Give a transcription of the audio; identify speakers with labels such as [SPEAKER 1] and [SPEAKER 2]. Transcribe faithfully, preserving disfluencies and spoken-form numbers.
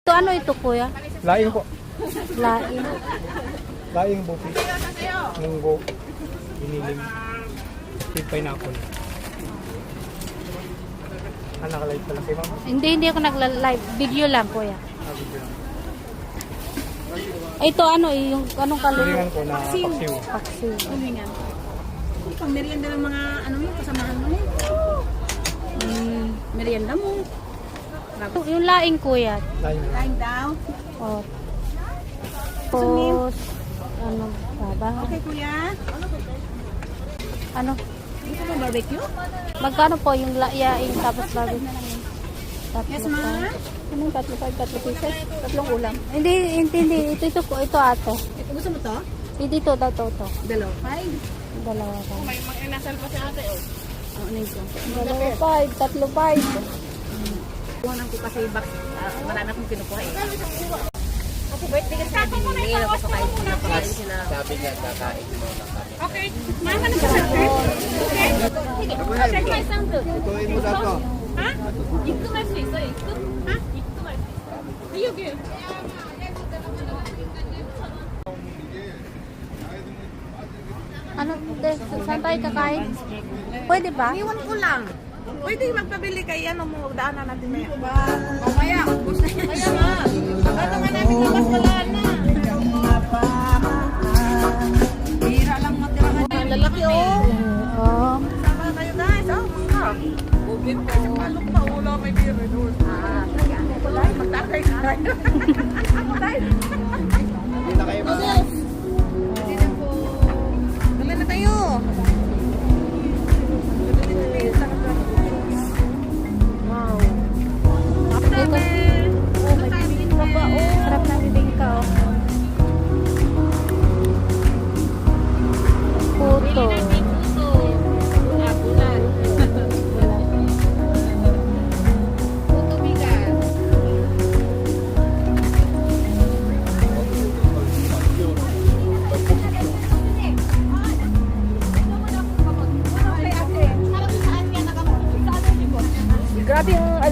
[SPEAKER 1] Ito ano ito kuya?
[SPEAKER 2] Laing po.
[SPEAKER 1] Lain.
[SPEAKER 2] Laing bupi. Munggo. Biniling. Sweet pineapple. Ah, naka-live pala kayo, ma'am.
[SPEAKER 1] Hindi, hindi ako nagla-live. Video lang kuya.
[SPEAKER 2] Ah, video lang.
[SPEAKER 1] Ito ano eh, yung anong kaluluwa?
[SPEAKER 2] Tulingan ko na paksiw.
[SPEAKER 1] Paksiw.
[SPEAKER 3] Tulingan. Ikaw, merienda ng mga ano yun, kasamahan mo yun. Mm, merienda mo.
[SPEAKER 1] Yung, yung laing kuya.
[SPEAKER 2] Laing.
[SPEAKER 3] Lying down.
[SPEAKER 1] O. Tapos, ano ba?
[SPEAKER 3] Okay, kuya.
[SPEAKER 1] Ano?
[SPEAKER 3] Gusto mo barbecue?
[SPEAKER 1] Magkano po yung layaing tapos bago? Tatlo
[SPEAKER 3] Yes,
[SPEAKER 1] pa.
[SPEAKER 3] ma. Anong tatlo, five, tatlo pieces? Tatlong ulam.
[SPEAKER 1] Hindi, hindi, hindi. Ito, ito po. Ito ate.
[SPEAKER 3] Ito, gusto mo to?
[SPEAKER 1] Hindi ito, ito, ito. ito.
[SPEAKER 3] Dalawa, five.
[SPEAKER 1] Dalawa pa.
[SPEAKER 3] May mag-inasal pa si ate, oh. Oo, ano ito?
[SPEAKER 1] Dalawa five, tatlo five.
[SPEAKER 3] Kuhanan ko kasi box, uh, marami akong kinukuha eh. Kasi birthday kasi na binili, gusto kayo pinapakain sila.
[SPEAKER 4] Sabi niya, kakain mo na kami.
[SPEAKER 3] Okay, mama na sa okay? Okay, okay, may sandal.
[SPEAKER 4] Tutuin mo na to.
[SPEAKER 3] Ha? Ikko mas iso, ikko? Ha? Ikko mas iso. Ayun, yun.
[SPEAKER 1] Ano, de, saan tayo kakain? Pwede ba?
[SPEAKER 3] Iwan ko lang. Pwede magpabili kay ano mo, daanan natin maya. Mamaya, ubos na yan. Kaya nga. Ano nga namin labas wala na. Hira lang matirahan. Ang lalaki oh.
[SPEAKER 1] Oo.
[SPEAKER 3] Sama kayo guys. Oh, mga. Bubin pa sa palok pa. Wala may beer doon. Ah, kaya ako lang. Magtakay ka tayo. Ako tayo.
[SPEAKER 4] Hindi na kayo mga.
[SPEAKER 3] Hindi na po. Dali na tayo. Wow.
[SPEAKER 1] Ito. Oh, may bibingka ba? Oh, sarap ng bibingka oh. Puto.
[SPEAKER 3] Grabe yung